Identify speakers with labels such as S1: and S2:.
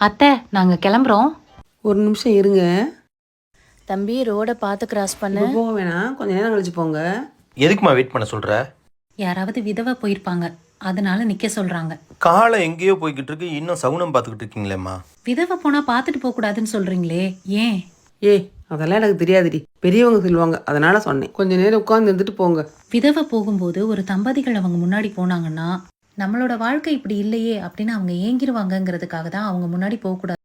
S1: அத்தை, நாங்க கிளம்புறோம்.
S2: ஒரு நிமிஷம் இருங்க.
S1: தம்பி, ரோட பார்த்து கிராஸ் பண்ணு.
S2: இப்போ போக வேணாம், கொஞ்ச நேரம் கழிச்சு போங்க.
S3: எதுக்குமா வெயிட் பண்ண சொல்ற?
S1: யாராவது விதவை போயிருப்பாங்க, அதனால நிக்க சொல்றாங்க.
S3: காலை எங்கேயோ போய்கிட்டு இருக்கு, இன்னும் சகுனம் பார்த்துக்கிட்டு இருக்கீங்களேம்மா.
S1: விதவை போனா பார்த்துட்டு போக கூடாதுன்னு சொல்றீங்களே, ஏன்?
S2: ஏய், அதெல்லாம் எனக்கு தெரியாதுடி. பெரியவங்க சொல்லுவாங்க, அதனால சொன்னேன். கொஞ்ச நேரம் உட்கார்ந்து இருந்துட்டு போங்க.
S1: விதவை போகும்போது ஒரு தம்பதிகள் அவங்க முன்னாடி போனாங்கன்னா, நம்மளோட வாழ்க்கை இப்படி இல்லையே அப்படின்னு அவங்க ஏங்கிருவாங்கங்கிறதுக்காக தான் அவங்க முன்னாடி போக கூடாது.